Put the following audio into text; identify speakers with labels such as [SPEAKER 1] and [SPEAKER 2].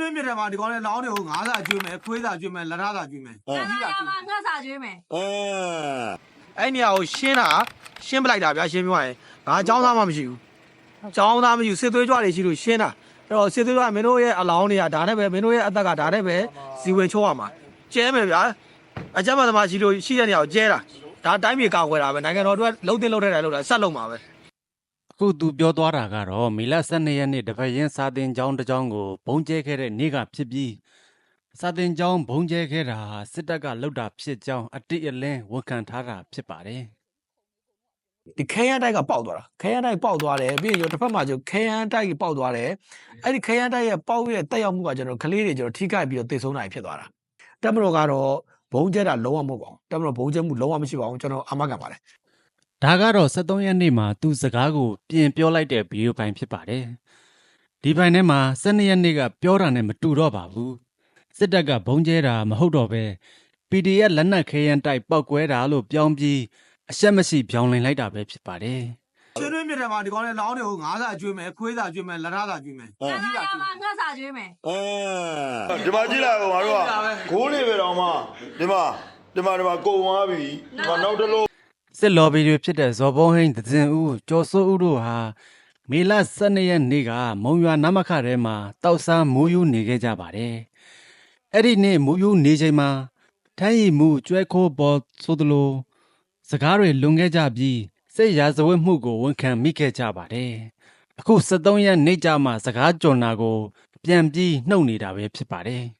[SPEAKER 1] တွင်းမြစ်ထဲမှာဒီကောင်လေးလောင်းတွေကိုငါးစာကျွေးမယ်ခွေးစာကျွေးမယ်လက်ထစာကျွေးမယ်
[SPEAKER 2] ငါမှာငါစာကျွေးမယ်
[SPEAKER 1] အဲ့နေရာကိုရှင်းတာရှင်းပလိုက်တာဗျာရှင်းပြရင်ငါအကြောင်းသားမှမရှိဘူးအကြောင်းသားမရှိဘူးစစ်သွေးကြွတွေရှိလို့ရှင်းတာအဲ့တော့စစ်သွေးကြွမင်းတို့ရဲ့အလောင်းတွေကဒါနဲ့ပဲမင်းတို့ရဲ့အသက်ကဒါနဲ့ပဲဇီဝင်ချိုးရမှာကျဲမယ်ဗျာအကြမ်းဖက်သမားရှိလို့ရှိတဲ့နေရာကိုကျဲတာဒါတိုင်းပြည်ကောက်ွယ်တာပဲနိုင်ငံတော်တို့ကလှုပ်တင်လှုပ်ထဲတယ်လှုပ်တာဆက်လှုပ်မှာပဲ
[SPEAKER 3] အခုသူပြောသွားတာကတော့မေလ12ရက်နေ့တပတ်ရင်စာတင်ကျောင်းတစ်ကျောင်းကိုဘုံကျဲခဲ့တဲ့နေ့ကဖြစ်ပြီးစာတင်ကျောင်းဘုံကျဲခဲ့တာဟာစစ်တပ်ကလှုပ်တာဖြစ်ကြောင်းအတိအလင်းဝန်ခံထားတာဖြစ်ပါတယ်
[SPEAKER 1] ဒီခဲယမ်းတိုက်ကပေါက်သွားတာခဲယမ်းတိုက်ပေါက်သွားတယ်ပြီးရင်တစ်ဖက်မှာကျခဲယမ်းတိုက်ပေါက်သွားတယ်အဲ့ဒီခဲယမ်းတိုက်ရဲ့ပေါက်ရဲ့တက်ရောက်မှုကကျွန်တော်ကလေးတွေကျွန်တော်ထိခိုက်ပြီးတော့သေဆုံးနိုင်ဖြစ်သွားတာတက်မတော်ကတော့ဘုံကျဲတာလုံးဝမဟုတ်ပါဘူးတက်မတော်ဘုံကျဲမှုလုံးဝမရှိပါဘူးကျွန်တော်အာမခံပါတယ်
[SPEAKER 3] ဒါကတော့73ရက်နေ့မှာသူစကားကိုပြင်ပြောလိုက်တဲ့ဗီဒီယိုပိုင်းဖြစ်ပါတယ်ဒီပိုင်းထဲမှာ12ရက်နေ့ကပြောတာနဲ့မတူတော့ပါဘူးစစ်တပ်ကဘုံကျဲတာမဟုတ်တော့ပဲ PDF လက်နက်ခဲယမ်းတိုက်ပောက်ကွဲတာလို့ပြောင်းပြီးအရှက်မရှိပြောင်းလင်လိုက်တာပဲဖြစ်ပါတယ်
[SPEAKER 1] တွင်းမြစ်ထဲမှာဒီကောင်လေးလောင်းတွေကိုငါးစာကျွေးမယ်ခွေးစာကျွေးမယ်လက်ထစာကျွေးမယ်
[SPEAKER 2] ငါမှာငါစာကျွေးမယ်
[SPEAKER 4] ဒီမှာကြည့်လိုက်အောင်ငါတို့ကဂိုးလေးပဲတော့မှဒီမှာကုံသွားပြီဒီမှာနောက်တစ်လုံး
[SPEAKER 3] စစ်လော်ဘီတွေဖြစ်တဲ့ဇော်ဘုံဟိန်းသဇင်ဦးကျော်စိုးဦးတို့ဟာမေလ12ရက်နေ့ကမုံရွာနမခထဲမှာတောက်စားမိုးယူနေခဲ့ကြပါတယ်။အဲ့ဒီနေ့မိုးယူနေချိန်မှာထမ်းရည်မှုကျွဲခိုးပေါ်ဆိုသလိုစကားတွေလွန်ခဲ့ကြပြီးစစ်ရာဇဝတ်မှုကိုဝန်ခံမိခဲ့ကြပါတယ်။အခု73ရက်နေ့ကြမှာစကားကြုံတာကိုပြန်ပြီးနှုတ်နေတာပဲဖြစ်ပါတယ်။